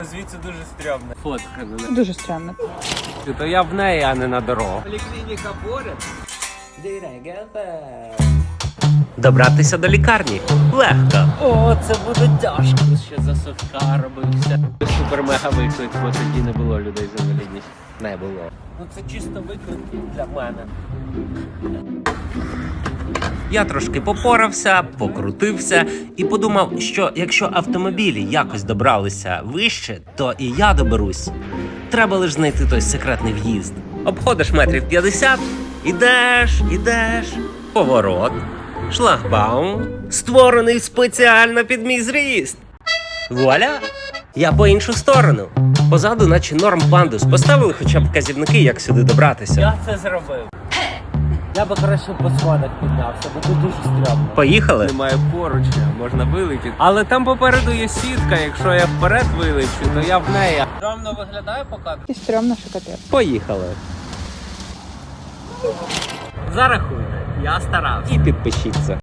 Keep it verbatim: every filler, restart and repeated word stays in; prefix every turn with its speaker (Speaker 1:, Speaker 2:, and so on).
Speaker 1: Звідси дуже стрьомно. Фотка на неї.
Speaker 2: Дуже странно.
Speaker 1: То я в неї, а не на дорогу.
Speaker 3: Поліклініка поряд.
Speaker 1: Добратися до лікарні легко. О, це буде тяжко. Ще за совка робився. Супер-мега виклик, бо тоді не було людей з інвалідністю. Не було. Ну це чисто виклик для мене. Я трошки попорався, покрутився і подумав, що якщо автомобілі якось добралися вище, то і я доберусь. Треба лише знайти той секретний в'їзд. Обходиш метрів п'ятдесят, ідеш, ідеш, поворот, шлагбаум, створений спеціально під мій зріст. Вуаля! Я по іншу сторону. Позаду наче норм пандус. Поставили хоча б вказівники, як сюди добратися.
Speaker 3: Я це зробив. Я би краще по сходах піднявся, бо тут дуже стрьомно.
Speaker 1: Поїхали? Немає поручня, можна вилетіти. Але там попереду є сітка, якщо я вперед вилечу, то я в неї.
Speaker 3: Стрьомно виглядає поки?
Speaker 2: І стрьомно, що капець.
Speaker 1: Поїхали.
Speaker 3: Зарахуйте, я старався.
Speaker 1: І підпишіться.